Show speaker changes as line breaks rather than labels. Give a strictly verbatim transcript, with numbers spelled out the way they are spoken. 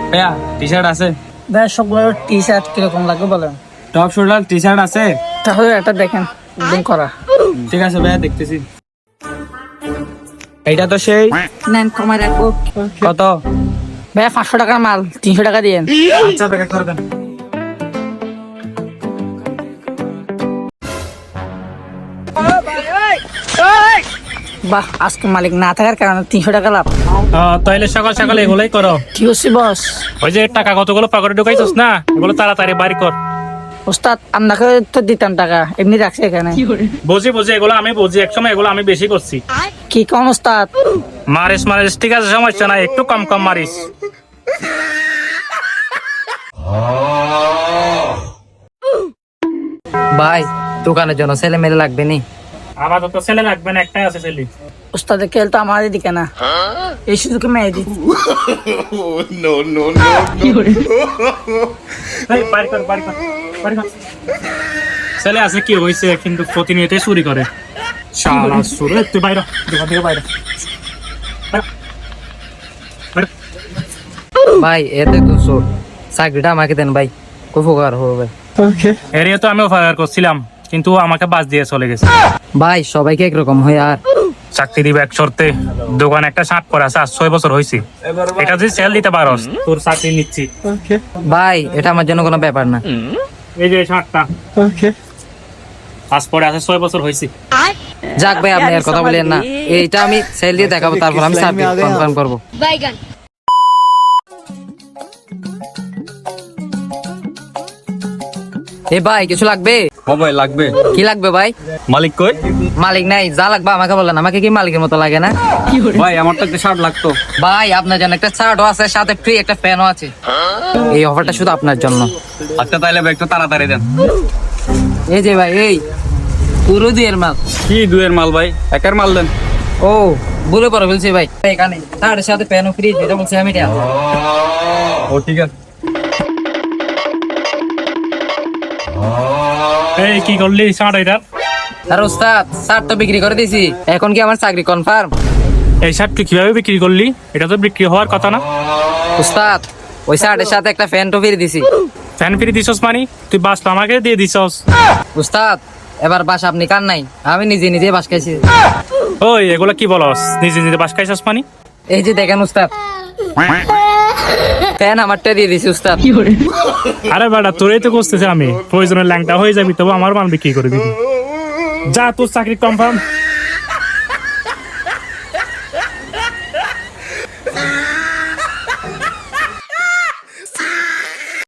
ভাইয়া T shirt আছে?
ভাই সবগুলো টি শার্ট কিরকম লাগবে বলেন?
টপ শোল্ডার টি শার্ট আছে?
তাহলে এটা দেখেন, একদম করা।
ঠিক আছে ভাইয়া, দেখতেছি। এইটা তো সেই।
নেন কমাই রাখবো।
কত?
ভাইয়া পাঁচশো টাকার মাল তিনশো টাকা দিয়েন।
আচ্ছা প্যাকেট করে দেন।
বাহ, আজকে মালিক না থাকার কারণে তিনশো টাকা লাভ।
তাইলে সকাল সকাল এগুলাই করো।
কি হচ্ছে বস?
ওই যে টাকা কতগুলো পকেটে ঢুকাইছিস না, এগুলো তাড়াতাড়ি বাড়ি কর।
ওস্তাদ আপনাকে তো দিতাম টাকা, এমনি রাখছি এখানে।
বুঝি বুঝি এগুলো আমি বুঝি, একসময় এগুলো আমি বেশি করছি।
কি কম ওস্তাদ?
মারিস মারিস ঠিক আছে, সমস্যা নাই, একটু কম কম মারিস।
ভাই দোকানের জন্য ছেলে মেলে লাগবে নি?
আমার তো ছেলে লাগবে না, একটাই আছে ছেলে।
ওস্তাদের খেল তো আমাদের দিকে না, এই সুযোগে মেয়ে দি।
এই, বাড়ি কর, বাড়ি কর, বাড়ি কর। ছেলে আছে কি হয়েছে, কিন্তু প্রতিনিয়ত চুরি করে। শালা চোর, এই, তুই বাইরে দোকান থেকে বাইরে।
ভাই এতে তো চোর, চাকরিটা আমাকে দেন ভাই, খুব উপকার হবে ভাই।
এরিয়া তো আমিও ফায়ার করছিলাম, কিন্তু আমাকে বাস দিয়ে চলে গেছে।
ভাই সবাইকে একরকম হয় আর?
চাকরি দিবে এক শর্তে, দোকান একটা সাত করে আছে, আজ ছয় বছর হয়েছে। এটা যদি সেল দিতে পারস, তোর চাকরি নিচ্ছি।
ভাই এটা আমার জন্য কোনো ব্যাপার না।
এই যে শার্টটা, আজ পরে আছে ছয় বছর হয়েছে।
যাক ভাই আপনি আর কথা বলেন না, এইটা আমি সেল দিয়ে দেখাবো, তারপর আমি সার্ভিস কনফার্ম করবো। এ ভাই কিছু লাগবে?
ও ভাই লাগবে।
কি লাগবে ভাই?
মালিক কই?
মালিক নাই, যা লাগবে আমাকে বলেন, আমাকে কি মালিকের মতো লাগে না?
ভাই আমার তো একটা শার্ট লাগতো।
ভাই আপনার জন্য একটা শার্টও আছে, সাথে ফ্রি একটা ফ্যানও আছে। এই অফারটা শুধু আপনার জন্য।
আচ্ছা তাইলে ভাই একটু তাড়াতাড়ি দেন।
এই যে ভাই, এই পুরো দুইয়ের মাল।
কি দুয়ের মাল ভাই? একের মাল দেন।
ও বলে পরে বলছি ভাই, এখানে তার সাথে ফ্যানও ফ্রি, যেটা বলছি আমি এটা।
ও ঠিক আছে।
এই কি করলি শার্ট এটা?
আর ওস্তাদ শার্ট তো বিক্রি করে দিয়েছি, এখন কি আমার চাকরি কনফার্ম?
এই শার্ট তুই কিভাবে বিক্রি করলি? এটা তো বিক্রি হওয়ার কথা না।
ওস্তাদ ওই শার্টের সাথে একটা ফ্যান তো ফ্রি দিছি।
ফ্যান ফ্রি দিছস মানে তুই বাস তো আমাকে দিয়ে দিছস।
ওস্তাদ এবার বাস আপনি কার নাই, আমি নিজে নিজে বাস খাইছি।
ওই এগুলা কি বলস, নিজে নিজে বাস খাইছস মানে?
এই যে দেখেন ওস্তাদ, ফ্যান আমারটা দিয়ে দিছি ওস্তাদ।
আরে বেটা তোরই তো করতেছে আমি, প্রয়োজনের ল্যাংটা হয়ে যাবি তবু আমার মাল বিক্রি করে দিবি। যা তোর চাকরি কনফার্ম।